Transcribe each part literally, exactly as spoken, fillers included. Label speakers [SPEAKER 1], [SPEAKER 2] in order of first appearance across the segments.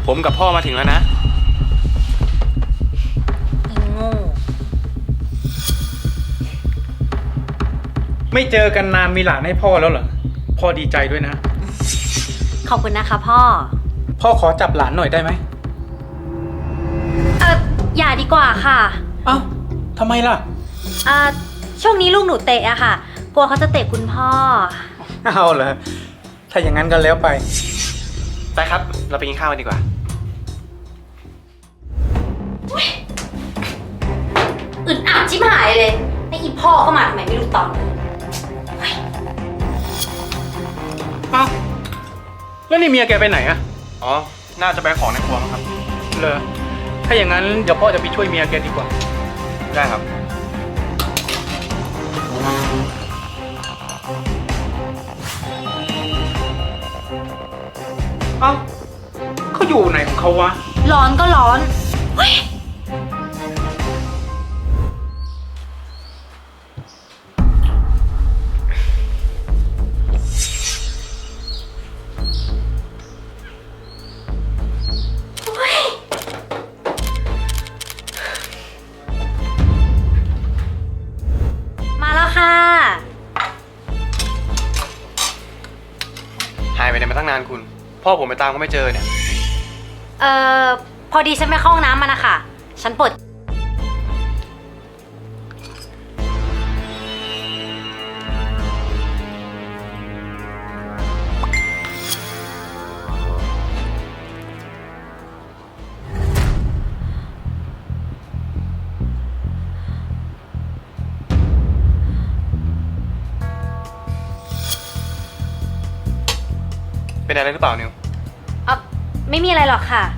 [SPEAKER 1] ผมกับพ่อมาถึงแล้วนะ
[SPEAKER 2] อีโง่
[SPEAKER 3] ไม่เจอกันนานมีหลานให้พ่อแล้วเหรอพ่อดีใจด้วยนะ
[SPEAKER 2] ขอบคุณนะคะพ่อ
[SPEAKER 3] พ่อขอจับหลานหน่อยได้ไหม
[SPEAKER 2] เอออย่าดีกว่าค่ะ
[SPEAKER 3] เอ้าทำไมล่ะ
[SPEAKER 2] เอ่อช่วงนี้ลูกหนูเตะอะค่ะ กลัวเขาจะเตะคุณพ่อ
[SPEAKER 3] เอาเหรอถ้าอย่างนั้นก็แล้วไป
[SPEAKER 1] ไปครับ เราไปกินข้าวกันดีกว่า
[SPEAKER 2] อึดอัดชิบหายเลยไอ้อีพ่อก็มาทำไมไม่รู้ตอนนี้
[SPEAKER 3] เอ้าแล้วนี่เมียแกไปไหนอะ
[SPEAKER 1] อ๋อ น่าจะไปของในครัวมั้งครับ
[SPEAKER 3] เหรอถ้าอย่างนั้นเดี๋ยวพ่อจะไปช่วยเมียแกดีกว่า
[SPEAKER 1] ได้ครับ
[SPEAKER 3] เอ้าเขาอยู่ไหนของเขาวะ
[SPEAKER 2] ร้อนก็ร้อนเฮ้ยมาแล้วค่ะ
[SPEAKER 1] หายไปไหนมาตั้งนานคุณ พ่อผมไปตามก็ไม่เจอเนี่ย
[SPEAKER 2] เอ่อ พอดีฉันไปเข้าห้องน้ำมานะคะฉันปวด
[SPEAKER 1] เป็นอะไรหรือเปล่านิว
[SPEAKER 2] เอ่อไม่มีอะไรหรอกค่ะ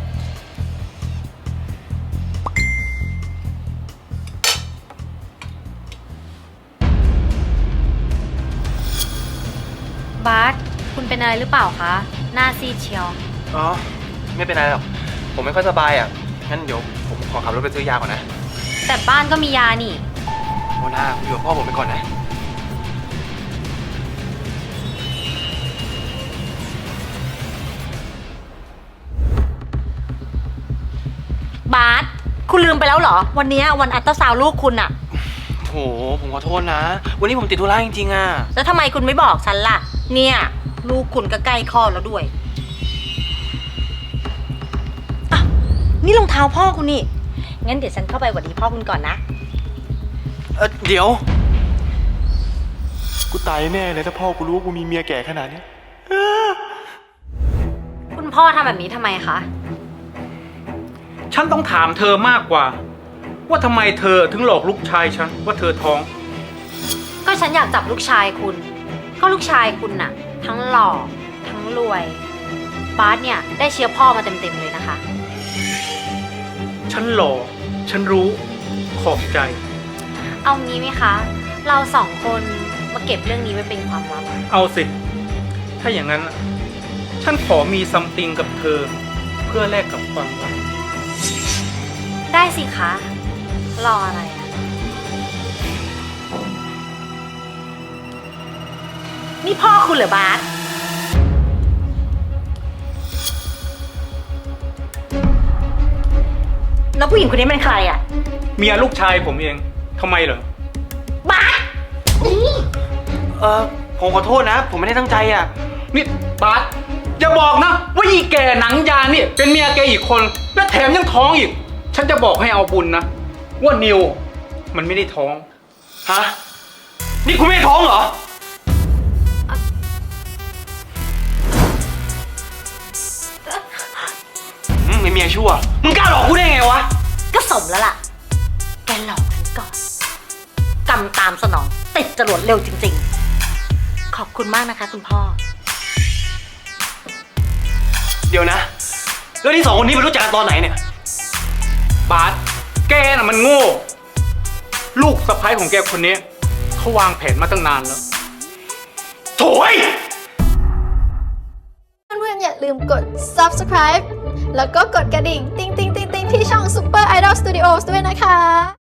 [SPEAKER 2] บาสคุณเป็นอะไรหรือเปล่าคะ หน้าซีดเชียว
[SPEAKER 1] อ๋อ ไม่เป็นไรหรอก ผมไม่ค่อยสบายอ่ะ งั้นเดี๋ยวผมขอขับรถไปซื้อยาก่อนนะ
[SPEAKER 2] แต่บ้านก็มียานี่
[SPEAKER 1] โมนาอยู่กับพ่อผมไปก่อนนะ
[SPEAKER 2] บาสคุณลืมไปแล้วเหรอ วันนี้วันอัลตราซาวด์ลูกคุณอะ
[SPEAKER 1] โห ผมขอโทษนะ วันนี้ผมติดธุระจริงๆอ่ะ
[SPEAKER 2] แล้วทำไมคุณไม่บอกฉันล่ะ เนี่ย ลูกคุณก็ใกล้คลอดแล้วด้วยอ่ะนี่รองเท้าพ่อคุณนี่ งั้นเดี๋ยวฉันเข้าไปหวัดดีพ่อคุณก่อนนะ
[SPEAKER 1] เออเดี๋ยว กูตายแน่เลยถ้าพ่อกูรู้ว่ากูมีเมียแก่ขนาดนี้
[SPEAKER 2] คุณพ่อทำแบบนี้ทำไมคะ
[SPEAKER 3] ฉันต้องถามเธอมากกว่า ว่าทำไมเธอถึงหลอกลูกชายฉันว่าเธอท้อง
[SPEAKER 2] ก็ฉันอยากจับลูกชายคุณ ก็ลูกชายคุณน่ะ ทั้งหล่อทั้งรวย บาสเนี่ยได้เชื้อพ่อมาเต็มๆเลยนะคะ
[SPEAKER 3] ฉันหล่อฉันรู้ขอบใจ
[SPEAKER 2] เอางี้ไหมคะ เราสองคนมาเก็บเรื่องนี้ไว้เป็นความลับ
[SPEAKER 3] เอาสิ ถ้าอย่างนั้น ฉันขอมีซัมติงกับเธอ เพื่อแลกกับความรัก
[SPEAKER 2] ได้สิคะ รออะไรอะนี่พ่อคุณเหรอบาสแล้วผู้หญิงคนนี้เป็นใครอะ
[SPEAKER 3] เมียลูกชายผมเองทำไมเหรอ
[SPEAKER 2] บาสนี่
[SPEAKER 1] เออผมขอโทษนะ ผมไม่ได้ตั้งใจอ่ะ
[SPEAKER 3] นี่บาสอย่าบอกนะว่าอีแก่หนังยางนี่เป็นเมียแกอีกคน และแถมยังท้องอีก ฉันจะบอกให้เอาบุญนะ ว่านิวมันไม่ได้ท้อง
[SPEAKER 1] ฮะ นี่คุณไม่ท้องเหรอ อืมไม่เมียชั่ว มึงกล้าหลอกกูได้ไงวะ
[SPEAKER 2] ก็สมแล้วล่ะ แกหลอกฉันก่อนกำตามสนอง ติดจรวดเร็วจริงๆ ขอบคุณมากนะคะคุณพ่อ
[SPEAKER 1] เดี๋ยวนะ แล้วที่สองคนนี้ไปรู้จักกันตอนไหนเนี่ย
[SPEAKER 3] บาสแกน่ะมันโง่ ลูกสะใภ้ของแกคนนี้เขาวางแผนมาตั้งนานแล้ว
[SPEAKER 1] โถย
[SPEAKER 4] เพื่อนๆอย่าลืมกด ซับสไครบ์ แล้วก็กดกระดิ่ง ติ๊งติ๊งติ๊งติ๊งที่ช่อง Super Idol Studios ด้วยนะคะ